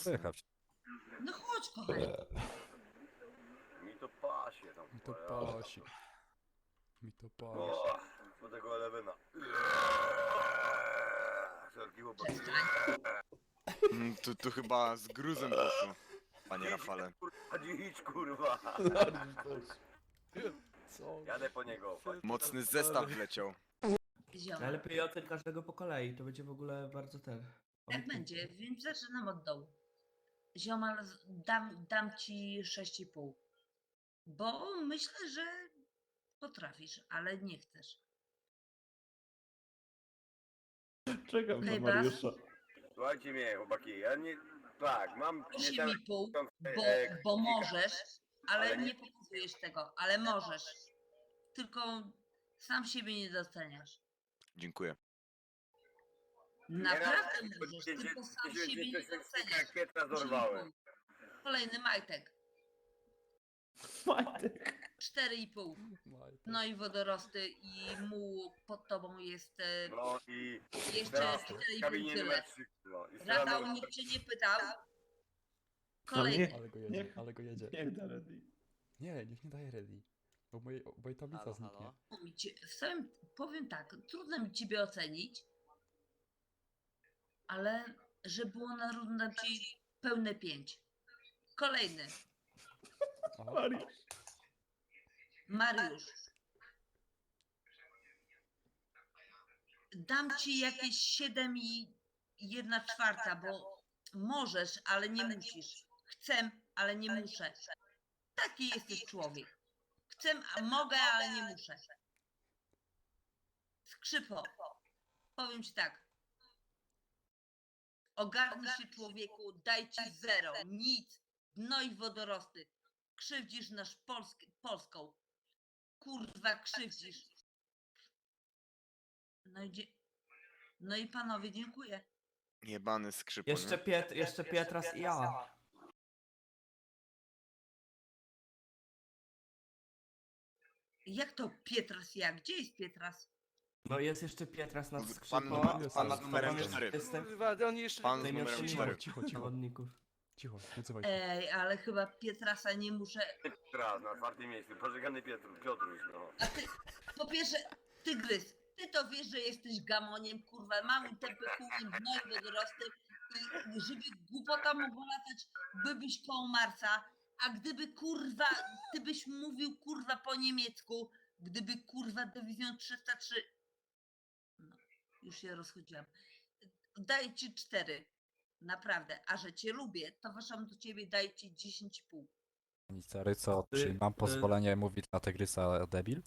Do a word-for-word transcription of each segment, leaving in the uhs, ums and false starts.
mocny. Pojechać. No chodź, kochanie. Mi to pasie tam. Mi to kurwa, ja- pasi. Mi to pasi. O, do tego Elewena. Wszelki chłopak. Mm, Tu, tu chyba z gruzem poszło, panie Rafale. Kurwa, idź kurwa. Co? Jadę po niego. Mocny zestaw wleciał. Ziomal. Najlepiej ocen każdego po kolei, to będzie w ogóle bardzo ten. Tak będzie, więc zaczynam od dołu. Ziomal, z- dam, dam ci sześć i pół. Bo myślę, że potrafisz, ale nie chcesz. Czekam na Chyba. Mariusza. Słuchajcie mnie, chłopaki, ja nie... Tak, mam... osiem i pół, bo, e, bo kilka. możesz, ale Ale nie- nie pokazujesz tego, ale możesz. Tylko sam siebie nie doceniasz. Dziękuję. Naprawdę Nie, możesz, nie, nie, tylko sam nie, siebie nie, nie nie, nie, doceniasz. Jak Pietra osiem i zorwałem. pół. Kolejny majtek. Majtek. cztery i pół. Majtek. No i wodorosty i muł pod tobą jest e, No i... jeszcze teraz cztery w i pół kabinie tyle. numer trzy. No, i Ratał, strzelam- nikt cię nie pytał. nie- Kolejny. Ale go jedzie, Niech- ale go jedzie. Niech da ready. Nie, niech nie daje ready. Bo moje, bo jej tablica Halo, zniknie. halo? Mi cię- W samym, powiem tak, trudno mi ciebie ocenić, ale że było na rundę ci pełne pięć. Kolejny. Aha. Mariusz. Mariusz. Dam ci jakieś siedem i jedna czwarta, bo możesz, ale nie musisz. Chcę, ale nie muszę. Taki jesteś człowiek. Chcę, a mogę, ale nie muszę. Skrzypo. Powiem ci tak. Ogarnij się, człowieku, daj ci zero, nic, dno i wodorosty. Krzywdzisz nasz Polsk Polską. Kurwa, krzywdzisz. No i, dzie- no i panowie, dziękuję. Jebany skrzypon. Jeszcze, Piet, jeszcze Pietras i ja. Jak to Pietras ja? Gdzie jest Pietras? No jest jeszcze Pietras nad Pan skrzypą. numer- pan nad numerem Jest- cztery. Jestem Kurwa, on jeszcze... Pan z najmłodszy numerem Cicho, cztery. cicho, cicho. zawodników. Cicho, nie odzywaj się. Ej, ale chyba Pietrasa nie muszę. Teraz na czwartym miejscu. Pożegany Piotr, Piotruś, no. A ty, po pierwsze, tygrys, ty to wiesz, że jesteś gamoniem, kurwa, mamy tępy chujem, gnoj wodorosty i żeby głupota mogła latać, bybyś koło Marsa, a gdyby kurwa, ty byś mówił kurwa po niemiecku, gdyby kurwa dywizjon trzysta trzy, no, już się rozchodziłam, daję ci cztery, naprawdę, a że cię lubię, to waszam do ciebie daję ci dziesięć i pół. Pani Caryco, Ty- czy mam ty- pozwolenie mówić na tygrysa debil?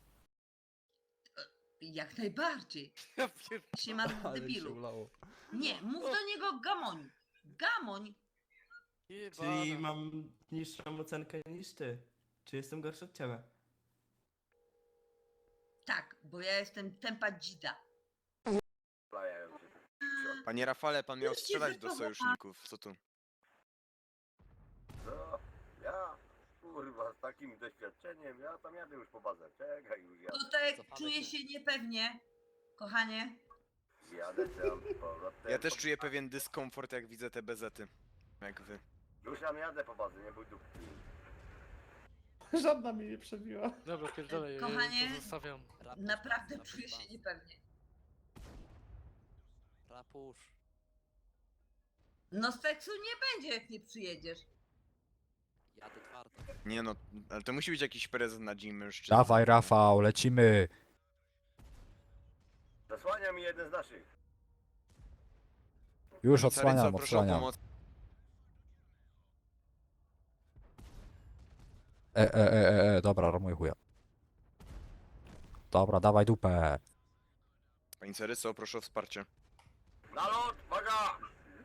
Jak najbardziej. Ja pier... Się ma Ale się debilu. ulało. Nie, mów do niego gamoń. Gamoń. Czyli Jebana. mam niższą ocenkę niż ty. Czy jestem gorszy od ciebie? Tak, bo ja jestem tempa dzida. Plajają się. Panie Rafale, pan miał Już cię strzelać do wychowała- sojuszników. Co tu? No, ja, kurwa, z takim doświadczeniem, ja tam jadę już po bazę. Czekaj, już jadę. Tutaj Cofamy czuję się. się niepewnie, kochanie. Jadę tam z powrotem. Ja też czuję pewien dyskomfort, jak widzę te bezety. Jak wy. Już tam jadę po bazę, nie bój dupki. Żadna mnie nie przebiła. Dobra, pierdolę, Kochanie, to zostawiam. Naprawdę czuję się niepewnie. Rapusz. No seksu nie będzie, jak nie przyjedziesz. Jadę twardo. Nie no, ale to musi być jakiś prezent na dzień mężczyzn. Dawaj Rafał, lecimy! Zasłania mi jeden z naszych. Już Caryco, odsłaniam, proszę o odsłaniam. pomoc. E, e, e, e, e, dobra, romuję chuja. Dobra, dawaj dupę. Pani Caryco, proszę o wsparcie. Na lot, uwaga!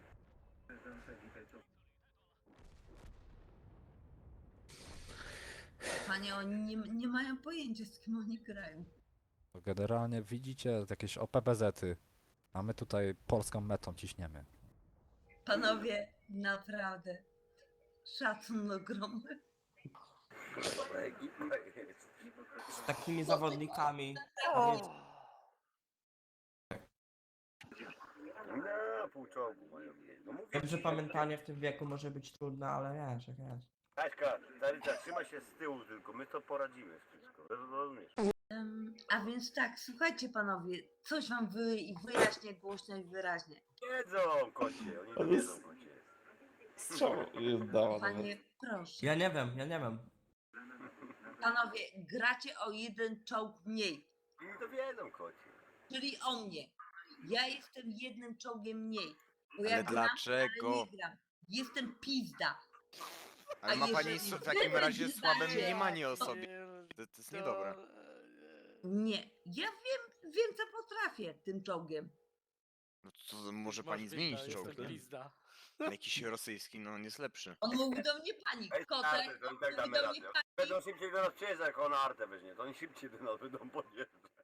Panie, oni nie, nie mają pojęcia, z kim oni grają. Generalnie widzicie jakieś O P B Z-y. A my tutaj polską metą ciśniemy. Panowie, naprawdę. Szacun ogromny. Dobra ekipa jest. Z takimi zawodnikami. No, pół czołgu mają mieć. No mówię Wiem, że ci, pamiętanie w tym wieku może być trudne, ale wiesz, jak jest. Kaśka, Taryca, trzymaj się z tyłu tylko, my to poradzimy wszystko. Rozumiesz? Em, a więc tak, słuchajcie panowie, coś wam wy, wyjaśnię głośno i wyraźnie. Wiedzą, kocie, oni to Ale wiedzą, s- kocie. Strzał dała nawet. Panie, proszę. Ja nie wiem, ja nie wiem. Panowie, gracie o jeden czołg mniej, Oni to wiedzą, kocie. czyli o mnie. Ja jestem jednym czołgiem mniej. Bo Ale ja gram, dlaczego? ale nie gram. Jestem pizda. Ale A ma pani jeżeli s- w wy takim razie będziecie- słabe mniemanie o sobie. To, to jest niedobre. Nie, ja wiem, wiem co potrafię tym czołgiem. No to może pani zmienić czołg, nie? Pizda. Jakiś rosyjski, no on jest lepszy. On mówi do mnie pani, Ej, kotek, Artek, to i tak mówi damy do radę. mnie pani. Będą szybciej do nas przyjeżdżać, jak ona artę weźmie, to oni szybciej do nas będą podjeżdżać.